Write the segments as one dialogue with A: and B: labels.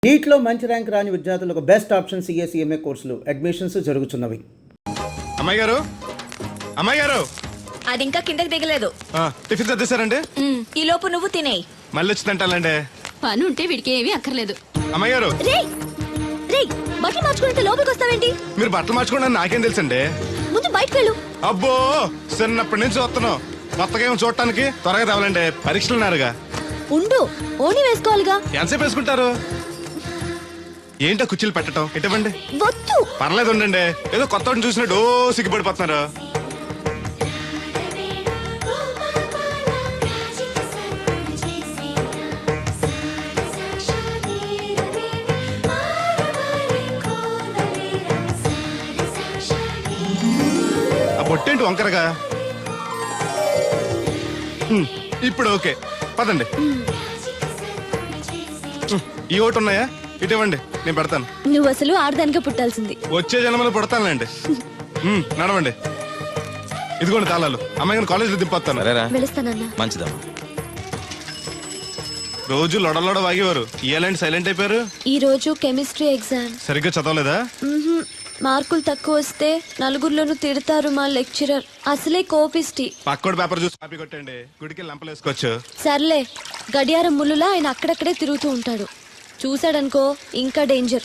A: నీట్లో మంచి ర్యాంక్ రాని విద్యార్థులకు బెస్ట్ ఆప్షన్ సిఎస్ఈఎంఏ కోర్సులు అడ్మిషన్స్ జరుగుతున్నవి.
B: అమ్మాయి గారు, అమ్మాయి గారు,
C: అది ఇంకా కిందకి దిగలేదు.
B: టిఫిన్ చదివేశారండి?
C: ఈ లోపు నువ్వు తినేయి.
B: మళ్ళీ వచ్చి తింటాలండి.
D: పని ఉంటే వీడికి ఏమీ అక్కర్లేదు.
B: అమ్మాయి గారు,
C: బట్టలు మార్చుకుంటే లోపలికి వస్తావేంటి?
B: మీరు బట్టలు మార్చుకోండి నాకేం తెలుసండి.
C: ముందు బయటకు వెళ్ళు.
B: అబ్బో, చిన్నప్పటి నుంచి వస్తున్నాం. కొత్తగా ఏమో చూడటానికి త్వరగా తేవాలండి. పరీక్షలు ఉన్నారుగా.
C: ఉండు, ఓని వేసుకోవాలిగా.
B: ఎంతసేపు వేసుకుంటారు? ఏంటో కుర్చీలు పెట్టడం ఇటువంటి.
C: వద్దు.
B: పర్లేదు ఉండండి. ఏదో కొత్త చూసినట్టు సిగ్గుపడిపోతున్నారు. ఆ బొట్టేంటి వంకరగా? ఇప్పుడు ఓకే, పదండి. ఈ ఒకటి ఉన్నాయా? ఇటువంటి నేను పెడతాను.
C: నువ్వు అసలు ఆడదానిగా పుట్టాల్సింది.
B: వచ్చే జన్మలో పడతానులేండి. నడవండి. ఇదిగోండి తాళాలు. అమ్మాయి కాలేజీలో దింపొస్తాను.
C: వెళుస్తానన్నా.
E: మంచిదమ్మా.
B: రోజు లొడలోడ వాగేవారు, ఇయ్యాలంటే సైలెంట్ అయిపోయారు.
C: ఈ రోజు కెమిస్ట్రీ ఎగ్జామ్.
B: సరిగ్గా చదవలేదా?
C: మార్కులు తక్కువ వస్తే నలుగురిలోనూ తిడతారు మా లెక్చరర్. అసలే కోపిస్టి.
B: పక్కోడి పేపర్ చూసి కాపీ కొట్టండి. గుడికి లంపలేసుకోవచ్చు.
C: సర్లే, గడియారం ముళ్ళులా ఆయన అక్కడక్కడే తిరుగుతూ ఉంటాడు. చూశాడనుకో ఇంకా డేంజర్.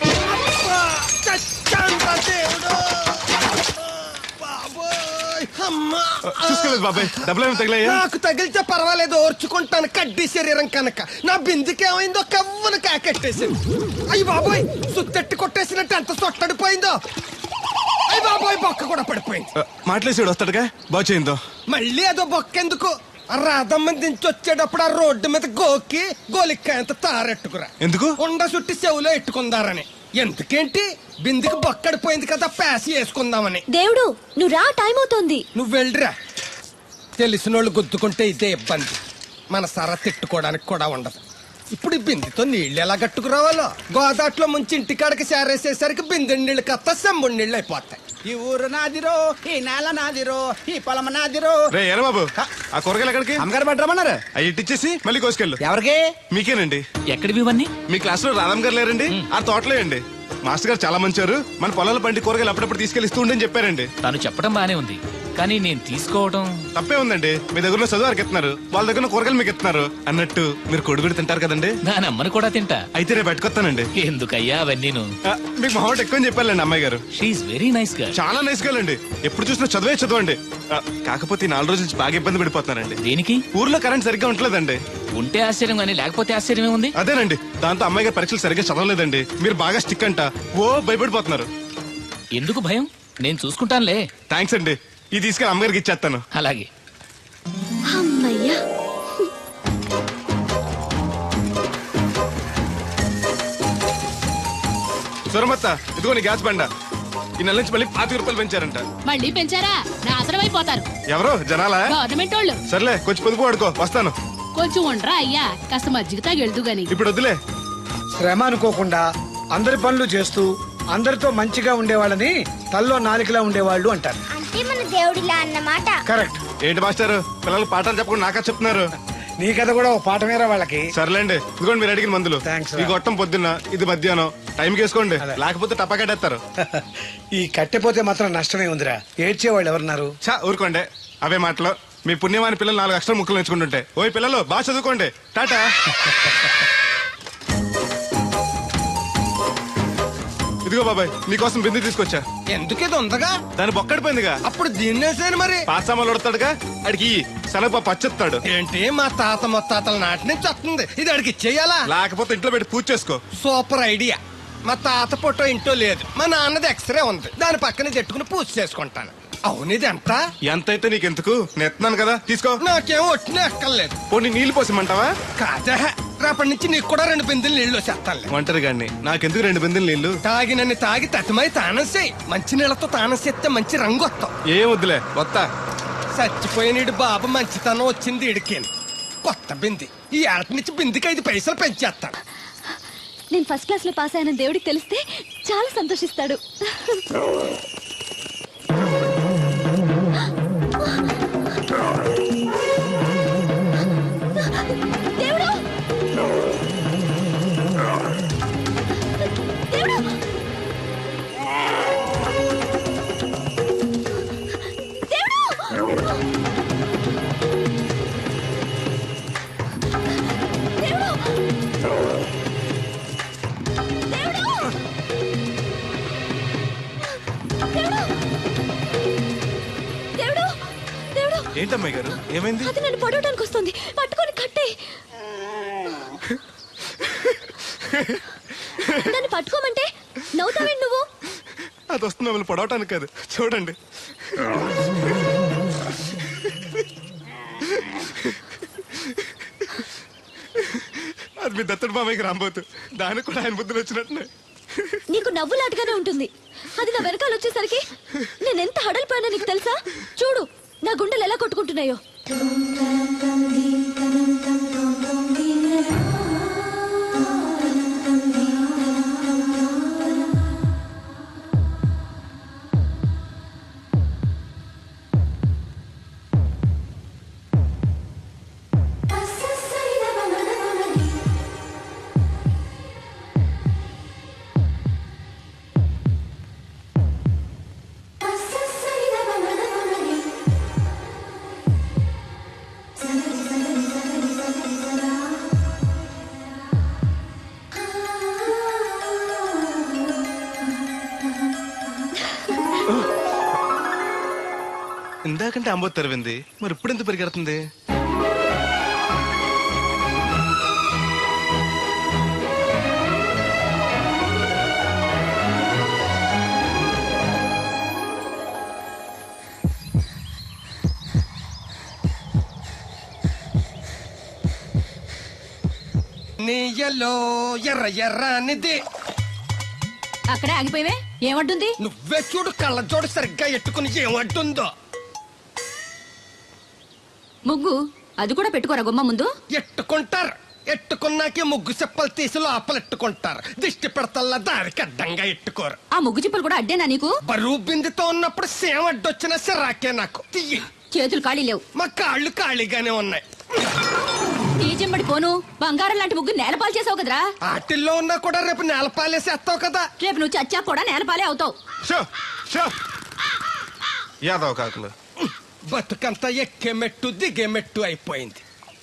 B: చూసుకోలేదు బాబాయ్. డబ్బులు తగిలాయా?
F: నాకు తగిలితే పర్వాలేదు, ఓర్చుకుంటాను. కడ్డీ శరీరం కనుక నా బిందుకేమైందో కవ్వను కాకెట్టేసింది. అయ్యి బాబోయ్, సుత్తెట్టి కొట్టేసినట్టు ఎంత సొట్టడిపోయిందో. అయ్యి బాబోయ్, బొక్క కూడా పడిపోయింది.
B: మాట్లాడేసాడు వస్తాడుగా, బాగు చేయిందో.
F: మళ్ళీ అదో బొక్క ఎందుకు? రాధమ్మ దించి వచ్చేటప్పుడు ఆ రోడ్డు మీద గోకి గోలిక్కాయంత తారెట్టుకురా.
B: ఎందుకు?
F: ఉండ చుట్టి చెవులో ఎట్టుకుందారని. ఎందుకేంటి? బిందుకి బొక్కడిపోయింది కదా, ప్యాసి వేసుకుందామని.
C: దేవుడు, నువ్వు రా, టైం అవుతోంది.
F: నువ్వు వెళ్ళిరా. తెలిసినోళ్ళు గుద్దుకుంటే ఇదే ఇబ్బంది. మన సర తిట్టుకోవడానికి కూడా ఉండదు. ఇప్పుడు ఈ బిందెతో నీళ్లు ఎలా కట్టుకురావాలో. గోదాట్లో ముంచి ఇంటికాడికి సేరేసేసరికి బిందె నీళ్ళు కత్త సెంబుడి నీళ్ళు అయిపోతాయి.
G: ఈ ఊరు నాదిరో, ఈ నేల నాదిరో, ఈ పొలం నాదిరో.
B: రే ఏరా బాబు, ఆ కూరగాయలు ఎక్కడికి?
G: అమ్మగారు పట్టరమన్నారు.
B: అవి ఇట్టిచ్చేసి మళ్ళీ కోసుకెళ్ళు.
G: ఎవరికి?
B: మీకేనండి.
E: ఎక్కడివి ఇవన్నీ?
B: మీ క్లాస్ లో రాధమ్ గారు లేరండి? ఆ తోటలే అండి. మాస్టర్ గారు చాలా మంచివారు. మన పొలాల పండి కూరగాయలు అప్పుడప్పుడు తీసుకెళ్లిస్తూ ఉండని చెప్పారండి.
E: తను చెప్పడం బానే ఉంది, కానీ నేను తీసుకోవడం
B: తప్పే ఉందండి. మీ దగ్గర చదువు వారికి ఇస్తున్నారు, వాళ్ళ దగ్గర కూరగాయలు మీకు ఇస్తున్నారు. అన్నట్టు మీరు కొడుగుడి తింటారు కదండి.
E: దాని అమ్మని కూడా తింటా.
B: అయితే రేపు పెట్టుకొస్తానండి.
E: ఎందుకయ్యా అవన్నీ?
B: మీకు మొహమాట ఎక్కువ చెప్పాలండి అమ్మాయి గారు.
E: She's very nice girl.
B: చాలా నైస్ గర్ల్ అండి. ఎప్పుడు చూసినా చదువే చదవండి. కాకపోతే ఈ 4 రోజుల నుంచి బాగా ఇబ్బంది పడిపోతున్నారండి.
E: దేనికి?
B: ఊర్లో కరెంట్ సరిగ్గా ఉంటలేదండి.
E: ఉంటే ఆశ్చర్యం గానీ లేకపోతే ఆశ్చర్యమే ఉంది.
B: అదేనండి, దాంతో అమ్మాయి గారు పరీక్షలు సరిగ్గా చదవలేదండి. మీరు బాగా స్టిక్ అంట, ఓ భయపడిపోతున్నారు.
E: ఎందుకు భయం? నేను చూసుకుంటానులే.
B: థ్యాంక్స్ అండి. ఇది తీసుకెళ్ళి అమ్మగారికి ఇచ్చేస్తాను.
E: అలాగే.
C: అమ్మయ్యా.
B: సురమత్త, ఇదిగో నీ గ్యాస్ బండ. ఈ నెల నుంచి మళ్ళీ 25 రూపాయలు పెంచారంట.
D: మళ్ళీ పెంచారా? నాశనం అయిపోతారు.
B: ఎవరు జనాలా?
D: గవర్నమెంట్ వాళ్ళు.
B: సర్లే, కొంచెం పొదుపు వాడుకో, వస్తాను.
D: కొంచెం ఉండరా అయ్యా, కాస్త మజ్జిగ తాగెళ్దు గాని.
B: ఇప్పుడు వద్దులే.
H: శ్రమ అనుకోకుండా అందరి పనులు చేస్తూ అందరితో మంచిగా ఉండేవాళ్ళని తల్లో నాలికలా ఉండేవాళ్ళు అంటారు.
I: అంటే మన దేవుడిలా అన్నమాట.
H: కరెక్ట్.
B: ఏంటి మాస్టర్, పిల్లలు పాఠాలు చెప్పకుండా నాకా చెప్తున్నారు?
H: నీ కథ కూడా ఒక పాఠమేరా వాళ్ళకి.
B: సర్లేండి, ఇదిగోండి మీరు అడిగిన మందులు.
H: థాంక్స్ రా.
B: ఈ గొట్టం పొద్దున్న, ఇది మధ్యాహ్నం. టైంకి వేసుకోండి, లేకపోతే టపాకట్టేస్తారు.
H: ఈ కట్టెపోతే మాత్రం నష్టమే ఉందిరా. ఏడ్చేవాళ్ళు ఎవరున్నారు?
B: చా ఊరుకోండి, అవే మాటలు. మీ పుణ్యమాని పిల్లలు 4 అక్షరం ముక్కలు నేర్చుకుంటుంటే. ఓయ్ పిల్లలు, బాగా చదువుకోండి. టాటా. ఇదిగో బాబాయ్, నీకోసం బిందు తీసుకొచ్చా.
F: ఎందుకేదో ఉందగా?
B: దాని బొక్కడిపోయిందిగా.
F: అప్పుడు దీన్నేసాను మరి.
B: పాసామాలు ఉడతాడుగా, అడిగి శనగపప్పు పచ్చెత్తాడు.
F: ఏంటి, మా తాత ముత్తాతల నాటి నుంచి వస్తుంది. ఇది అడిగి ఇచ్చేయాలా?
B: లేకపోతే ఇంట్లో పెట్టి పూజ చేసుకో.
F: Super idea. మా తాత ఫోటో ఇంట్లో లేదు, మా నాన్నది ఎక్స్రే ఉంది. దాని పక్కన చెట్టుకుని పూజ చేసుకుంటాను. అవును, ఇది ఎంత?
B: ఎంతైతే నీకెందుకు, నెత్తున్నాను కదా, తీసుకో.
F: నాకేం ఒట్టినే ఎక్కర్లేదు.
B: పోనీ నీళ్లు పోసిమంటావా?
F: కాదే, రేపటి నుంచి నీకు కూడా 2 బిందెలు నీళ్లు చేస్తానులే.
B: ఒంటరి గాడిని, నాకెందుకు 2 బిందెలు నీళ్లు?
F: తాగినన్ని తాగి తతిమై తానం చేయి. మంచి నీళ్లతో తానం చేస్తే మంచి రంగు వస్తాం.
B: ఏం వద్దులే, వస్తా.
F: చచ్చిపోయిన బాబు మంచితనం వచ్చింది ఇడికేను. కొత్త బింది. ఈ ఏళ్ళ నుంచి బిందికి 5 పైసలు పెంచేస్తాను.
C: నేను ఫస్ట్ క్లాస్ లో పాస్ అయిన దేవుడికి తెలిస్తే చాలా సంతోషిస్తాడు. దేవుడు,
B: ఏంటమ్మాయి గారు ఏమైంది?
C: అది నన్ను పడవడానికి వస్తుంది, పట్టుకొని కట్టే. నన్ను పట్టుకోమంటే నవ్వుతావేంటి నువ్వు?
B: అది వస్తుంది మిమ్మల్ని పొడవటానికి కాదు, చూడండి. అది మీ దత్తడు మామయ్యకి రాబోతు, దానికి కూడా ఆయన బుద్ధులు వచ్చినట్టు.
C: నీకు నవ్వులాటగానే ఉంటుంది. అది నా వెనకాల వచ్చేసరికి నేను ఎంత హడలిపోయానో నీకు తెలుసా? చూడు నా గుండెలు ఎలా కొట్టుకుంటున్నాయో.
B: ఇందాకంటే అంబోతు తెరవింది, మరి ఇప్పుడు ఎంత పరిగెడుతుంది?
F: నీయలో ఎర్ర ఎర్రనిది.
D: అక్కడే ఆగిపోయావే, ఏమంటుంది?
F: నువ్వే చూడు, కళ్ళజోడు సరిగ్గా ఎట్టుకుని ఏమంటుందో.
D: ముగ్గు అది కూడా పెట్టుకోరా గుమ్మ ముందు.
F: ఎట్టుకుంటారు, ఎట్టుకున్నాకే ముగ్గు చెప్పలు తీసి లోపలెట్టుకుంటారు. దిష్టి పెడతల్లా దారికి అడ్డంగా ఎట్టుకోరు.
D: ఆ ముగ్గు చిప్పలు కూడా అడ్డేనా నీకు?
F: బరువు బిందుతో ఉన్నప్పుడు సేమ అడ్డొచ్చిన సిరాకే నాకు. తీయి.
D: చేతులు ఖాళీ లేవు.
F: మా కాళ్ళు ఖాళీగానే ఉన్నాయి.
D: ఈ చెమ్మడి పోను బంగారం లాంటి ముగ్గు నేలపాలు చేసావు కదరా.
F: ఆటిల్లో ఉన్నా కూడా రేపు నేలపాలేసేస్తావు కదా.
D: రేపు నువ్వు చచ్చా కూడా నేలపాలే అవుతావు.
B: షో షో యాదవ్ కాకులు.
F: బతుకంతా ఎక్కే మెట్టు దిగే మెట్టు అయిపోయింది.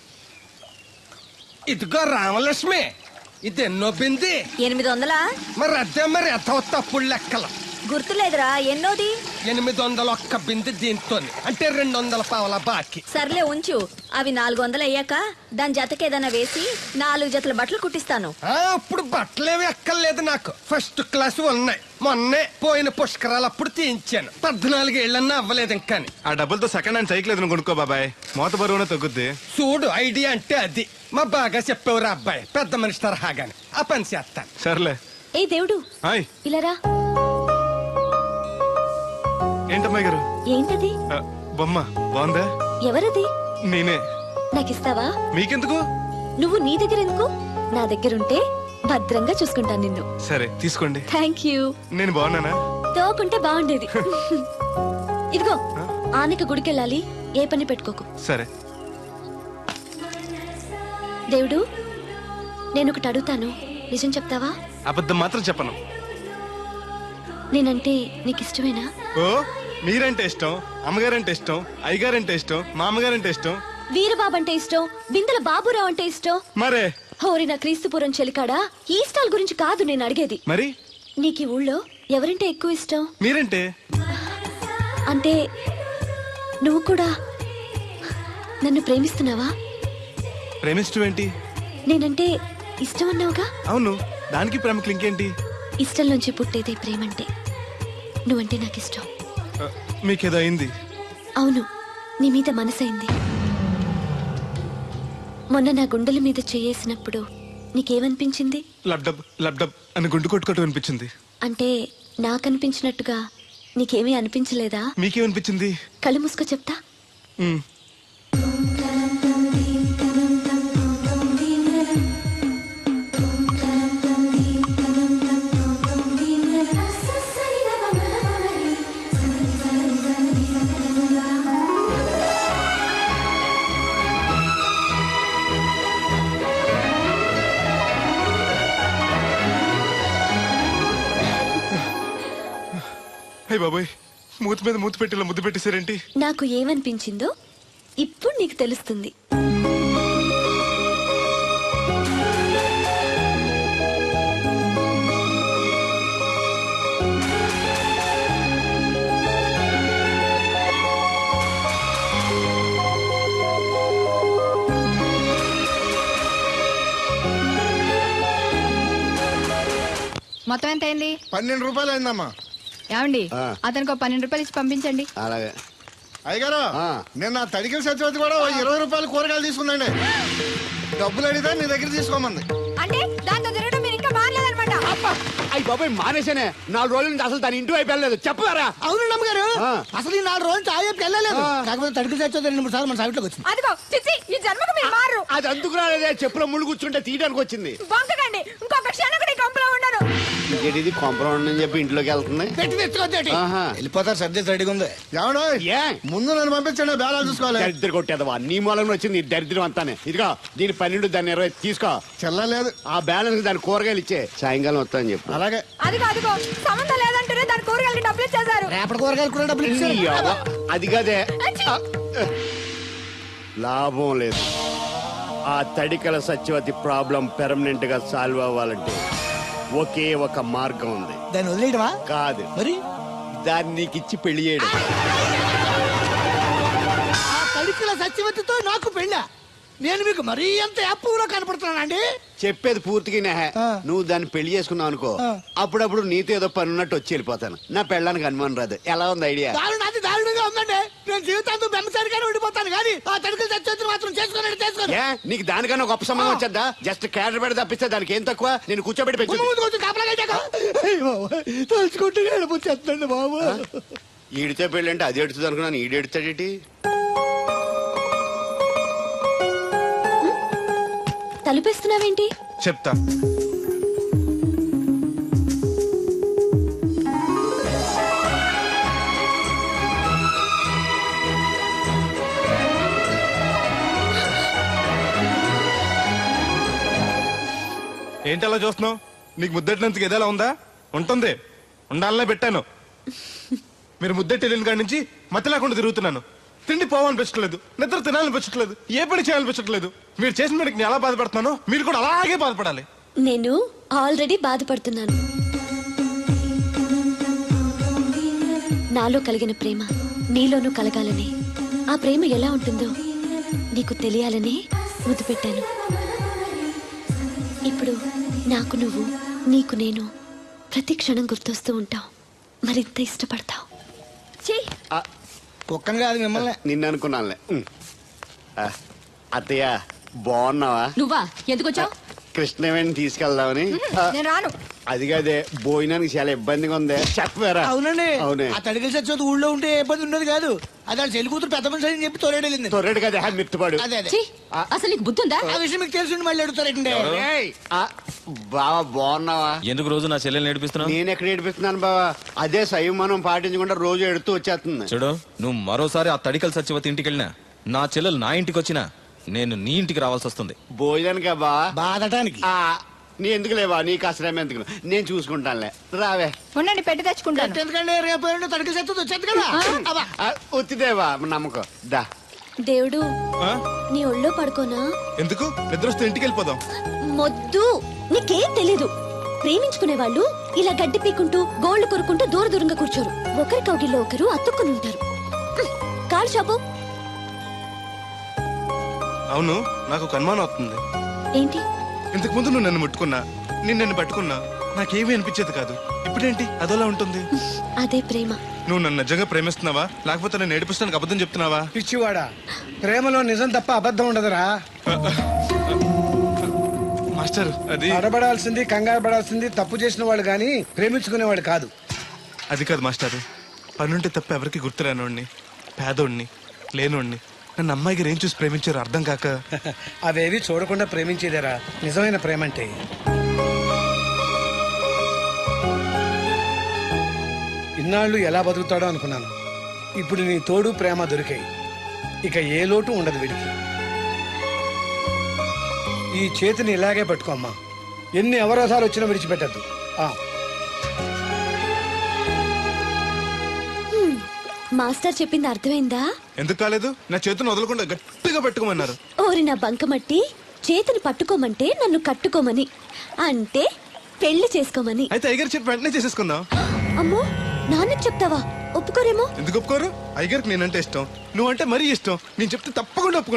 F: ఇదిగో రామలక్ష్మి, ఇది ఎన్నో బింది?
C: 800.
F: మరి అదే మరి ఎథవ తప్పుడు లెక్కలు.
C: గుర్తులేదురా ఎన్నోది?
F: 801 బింది దీంతో, అంటే 200 పావల బాకీ.
C: సర్లే ఉంచు. అవి 400 అయ్యాక దాని జతకేదైనా వేసి 4 జతల బట్టలు కుట్టిస్తాను.
F: అప్పుడు బట్టలేవి ఎక్కర్లేదు నాకు. ఫస్ట్ క్లాస్ ఉన్నాయి. మొన్నే పోయిన పుష్కరాలు అప్పుడు తీయించాను. 14 ఏళ్ళన్నా అవ్వలేదు ఇంకా.
B: ఆ డబ్బులతో సెకండ్ హ్యాండ్ సైకిల్ ఏదైనా కొనుక్కో బాబాయ్, మోత బరువున తగ్గుద్ది.
F: చూడు, ఐడియా అంటే అది. మా బాగా చెప్పేవారు అబ్బాయి, పెద్ద మనిషి తరహాగాని. ఆ పని చేస్తాను.
B: సర్లే.
C: ఏ దేవుడు,
B: హాయ్.
C: ఇలా రా.
B: ఏంటమ్మాయి గారు?
C: ఏంటది?
B: బొమ్మ బాగుందా?
C: ఎవరది?
B: నేనే.
C: నాకిస్తావా?
B: మీకెందుకు?
C: నువ్వు నీ దగ్గర ఎందుకు? నా దగ్గరుంటే భద్రంగా చూసుకుంటాను నిన్ను.
B: సరే తీసుకోండి.
C: Thank you.
B: నేను బాగున్నానా?
C: తోకుంటే బాగుండేది. ఇదిగో ఆనక గుడికెళ్ళాలి, ఏ పని పెట్టుకోకు.
B: సరే.
C: దేవుడు, నేను ఒకటి అడుగుతాను, నిజం చెప్తావా?
B: అబద్ధం మాత్రం చెప్పను.
C: నేనంటే నీకు ఇష్టమేనా?
B: ఓ, మీరంటే ఇష్టం, అమ్మగారంటే ఇష్టం, అయ్యగారంటే ఇష్టం, మామగారంటే ఇష్టం,
C: వీరబాబు అంటే ఇష్టం, బిందెల బాబురావు అంటే ఇష్టం.
B: మరే
C: హోరి నా క్రీస్తుపురం చెలికాడా, ఈ స్టాల్ గురించి కాదు నేను అడిగేది.
B: మరి
C: నీకు ఈ ఊళ్ళో ఎవరంటే ఎక్కువ ఇష్టం?
B: మీరంటే.
C: అంటే నువ్వు కూడా నన్ను ప్రేమిస్తున్నావా?
B: ప్రేమిష్టం ఏంటి?
C: నేనంటే ఇష్టం అన్నావుగా.
B: అవును, దానికి ప్రేమకి ఇంకేంటి?
C: ఇష్టం నుంచి పుట్టేదే ప్రేమంటే. నువ్వంటే నాకు ఇష్టం.
B: మీకేదో అయింది?
C: అవును, నీ మీద మనసైంది. మొన్న నా గుండెల మీద చేయేసినప్పుడు నీకేమనిపించింది?
B: లబ్డబ్ లబ్డబ్ అని గుండు కొట్టుకోవటం అనిపించింది.
C: అంటే నాకనిపించినట్టుగా నీకేమీ అనిపించలేదా?
B: మీకేమనిపించింది?
C: కళ్ళు మూసుకో చెప్తా.
B: మ్. అయ్య బాబోయ్, మూతి మీద మూతి పెట్టేలా ముద్దు పెట్టేశారేంటి?
C: నాకు ఏమనిపించిందో ఇప్పుడు నీకు తెలుస్తుంది.
D: మొత్తం ఎంత అయింది?
B: 12 రూపాయలు అయిందమ్మా.
D: ఏమండి అతనికి 12 రూపాయలు ఇచ్చి పంపించండి.
B: అలాగే అయ్యగారు, నేను నా తడికిల సత్యవతి కూడా 20 రూపాయలు కూరగాయలు తీసుకుందండి. డబ్బులు అడిగితే నీ దగ్గర తీసుకోమంది.
D: అంటే దాంతో తిరగడం మీరు ఇంకా మారలేదన్నమాట.
G: అయ్యి బాబాయ్ మానేశానే. 4 రోజుల నుంచి అసలు దాని ఇంటి వైపు వెళ్ళలేదు. చెప్పారా?
F: అవును అమ్మగారు, అసలు ఈ 4 రోజులు చాయ్ వెళ్ళలేదు. కాకపోతే తడికి చచ్చి 2-3 సార్లు మన సైట్లోకి వచ్చింది.
D: అదిగో చిచ్చి, ఈ జన్మకు మీరు మారు.
G: అది అందుకు రాలేదే, చెప్పులో ముళ్ళు కూర్చుంటే తీయడానికి వచ్చింది.
D: బొంకకండి, ఇంకొక క్షణం కూడా ఈ కొంపలో ఉండను.
G: ఇది కాంపౌండ్ అని చెప్పి ఇంట్లోకి వెళ్తుంది.
F: పెట్టి తెచ్చుకోద్దేటి వెళ్ళిపోతారు. సర్ది రెడీగా ఉంది.
B: ఏమన్నా
G: ఏ
B: ముందు నన్ను పంపించండి, బేరాలు చూసుకోవాలి.
G: దరిద్ర కొట్టేదవా, నీ మూలంలో వచ్చింది ఈ దరిద్రం అంతానే. ఇదిగో దీని 12 దాన్ని 20 తీసుకో.
B: చెల్లలేదు.
G: ఆ బ్యాలెన్స్ దాని కూరగాయలు ఇచ్చే, సాయంకాలం వస్తా అని చెప్పు.
B: అలాగే.
D: అదిగో సంబంధం లేదంటూనే దాని కూరగాయలకి డబ్బులు ఇచ్చేశారు.
F: రేపటి కూరగాయలు కూడా డబ్బులు ఇచ్చారు.
G: ఈ అవ్వ, అది కదే లాభం లేదు. ఆ తడికల సత్యవతి ప్రాబ్లం పెర్మనెంట్ గా సాల్వ్ అవ్వాలంటే ఒకే ఒక మార్గం ఉంది.
F: దాన్ని వదిలేయడమా?
G: కాదు,
F: మరి
G: దాన్ని నీకిచ్చి పెళ్లి చేయడం.
F: ఆ తడికిల సత్యవతితో నాకు పెళ్ళా? నేను మీకు మరీ ఎంత అప్పులో కనపడుతున్నానండి?
G: చెప్పేది పూర్తిగా నెహ. నువ్వు దాన్ని పెళ్లి చేసుకున్నావు అనుకో, అప్పుడప్పుడు నీతో ఏదో పని ఉన్నట్టు వచ్చి వెళ్ళిపోతాను. నా పెళ్ళడానికి అనుమానం రాదు. ఎలా ఉంది ఐడియా?
F: అది దారుణంగా ఉందండి. నేను జీవితాంతం బెమ్మసారిగానే ఉండిపోతాను కానీ ఆ తడికిల సత్యవతిని మాత్రం చేసుకోను.
G: ఏ, నీకు దానికన్నా గొప్ప సంబంధం వచ్చేద్దా? జస్ట్ క్యారెట్ పెడితే తప్పిస్తే దానికి ఏం తక్కువ? నేను కూర్చోబెట్టి పెంచు.
F: తలుచుకుంటే వెళ్ళిపోతుందండి బాబు.
G: ఈడితే పెళ్ళి అంటే అది ఎడుతుంది అనుకున్నాను. ఈడు ఎడుతాడేటి?
C: తలుపేస్తున్నావేంటి?
B: చెప్తా. ఏంటి అలా చూస్తున్నావు? నీకు ముద్దెట్టినందుకు ఏదైనా ఉందా? ఉంటుంది, ఉండాలనే పెట్టాను. మీరు ముద్దెట్టి వెళ్ళిన కాడి నుంచి మతి లేకుండా తిరుగుతున్నాను. తిండి పోవాలనిపించట్లేదు, నిద్ర తినాలనిపించట్లేదు, ఏ పని చేయాలనిపించట్లేదు. మీరు చేసిన పనికి నేను ఎలా బాధపడుతున్నానో మీరు కూడా అలాగే బాధపడాలి.
C: నేను ఆల్రెడీ బాధపడుతున్నాను. నాలో కలిగిన ప్రేమ నీలోనూ కలగాలని, ఆ ప్రేమ ఎలా ఉంటుందో నీకు తెలియాలని ముద్దు పెట్టాను. ఇప్పుడు నాకు నువ్వు, నీకు నేను ప్రతి క్షణం గుర్తొస్తూ ఉంటావు. మరింత ఇష్టపడతావు.
F: కుక్కను కాదు మిమ్మల్ని.
G: నిన్ను అనుకున్నానులే. అత్తయ్య బాగున్నావా?
D: నువ్వా ఎందుకు వచ్చావు?
G: కృష్ణవేణి తీసుకెళ్దామని.
D: నేను రాను.
G: అది కాదే, భోజనానికి చాలా ఇబ్బందిగా ఉంది. చెప్పారా?
F: అవునండి.
G: అవునే.
F: ఆ తడికిల సత్యవతి ఊళ్ళో ఉంటే ఏ ఇబ్బంది ఉండదు కాదు. అది చెల్లి కూతురు పెద్ద మనిషి అని చెప్పి తోలేడెళ్ళింది.
G: తొర్రెడు కదా మిత్తుపాడు.
F: అదే అదే.
D: ఛీ, అసలు నీకు బుద్ధి ఉందా?
F: ఆ విషయం మీకు తెలిసి మళ్ళీ అడుగుతారండి.
G: బావా బాగున్నావా?
J: ఎందుకు రోజు నా చెల్లెల్ని నేర్పిస్తున్నావు?
G: నేను ఎక్కడ ఏడిపిస్తున్నాను బావా? అదే సంయమనం పాటించకుండా రోజు ఎడుతూ వచ్చేస్తుంది.
J: చూడు, నువ్వు మరోసారి ఆ తడికల సత్యవతి ఇంటికి వెళ్ళినా, నా చెల్లెలు నా ఇంటికి వచ్చినా, నేను నీ ఇంటికి రావాల్సి వస్తుంది.
G: భోజనానికా బావా?
F: బాధటానికి.
G: నీ ఎందుకు లేవా? నీకు అసలేం ఎందుకు, నేను చూసుకుంటానులే. రావే.
D: ఉండండి, పెట్టి తెచ్చుకుంటాను.
F: ఎందుకంటే రేపు తడికిల సత్యవతి వచ్చేది కదా.
G: ఒత్తిదేవా నమ్మకం. దా.
C: దేవుడు, నీ ఒళ్ళో పడుకోనా?
B: ఎందుకు? నిద్ర వస్తే ఇంటికి వెళ్ళిపోదాం.
C: మొద్దు, నీకేం తెలీదు. ప్రేమించుకునే వాళ్ళు ఇలా గడ్డి పీకుంటూ గోళ్లు కొరుకుంటూ దూరంగా కూర్చోరు. ఒకరి కౌగిల్లో ఒకరు అతుక్కుని ఉంటారు. కాలు చాపు.
B: అవును, నాకు ఒక అనుమానం అవుతుంది.
C: ఏంటి?
B: ఇంతకు ముందు నువ్వు నన్ను ముట్టుకున్నా, నేను నన్ను పట్టుకున్నా, నాకేమీ అనిపించేది కాదు. ఇప్పుడేంటి అదోలా ఉంటుంది?
C: అదే ప్రేమ.
B: నువ్వు నన్ను నిజంగా ప్రేమిస్తున్నావా, లేకపోతే నేను ఏడిపిస్తానికి అబద్ధం చెప్తున్నావా?
H: పిచ్చివాడా, ప్రేమలో నిజం తప్ప అబద్ధం ఉండదురా.
B: మాస్టర్, అది
H: అడబడాల్సింది, కంగారు పడాల్సింది తప్పు చేసిన వాళ్ళు గాని ప్రేమించుకునేవాడు కాదు.
B: అది కాదు మాస్టర్. పనుంటే తప్ప ఎవరికి గుర్తురానోడిని, పేదోడిని, లేనోడిని నన్ను అమ్మాయికి ఏం చూసి ప్రేమించారు అర్థం కాక.
H: అవేవి చూడకుండా ప్రేమించేదేరా నిజమైన ప్రేమ అంటే. ఇన్నాళ్ళు ఎలా బతుకుతాడో అనుకున్నాను. ఇప్పుడు నీ తోడు ప్రేమ దొరికాయి. ఇక ఏ లోటు ఉండదు వీడికి. ఈ చేతిని ఇలాగే పట్టుకోమ్మా. ఎన్ని అవరోధాలు వచ్చినా విడిచిపెట్టద్దు.
C: మాస్టర్ చెప్పింది అర్థమైందా?
B: ఎందుకు కాలేదు? నా చేతిని వదలకుండా గట్టిగా పెట్టుకోమన్నారు.
C: ఓరి నా బంకమట్టి, చేతిని పట్టుకోమంటే నన్ను కట్టుకోమని, అంటే పెళ్లి చేసుకోమని.
B: అయితే అయ్యగారు చెప్పి వెంటనే చేసేసుకుందాం.
C: అమ్మో, నాన్నకి చెప్తావా? ఒప్పుకోరేమో.
B: ఎందుకు ఒప్పుకోరు? అయ్యగారికి నేనంటే ఇష్టం, నువ్వంటే మరీ ఇష్టం. నేను చెప్తే తప్పకుండా ఒప్పుకుంటారు.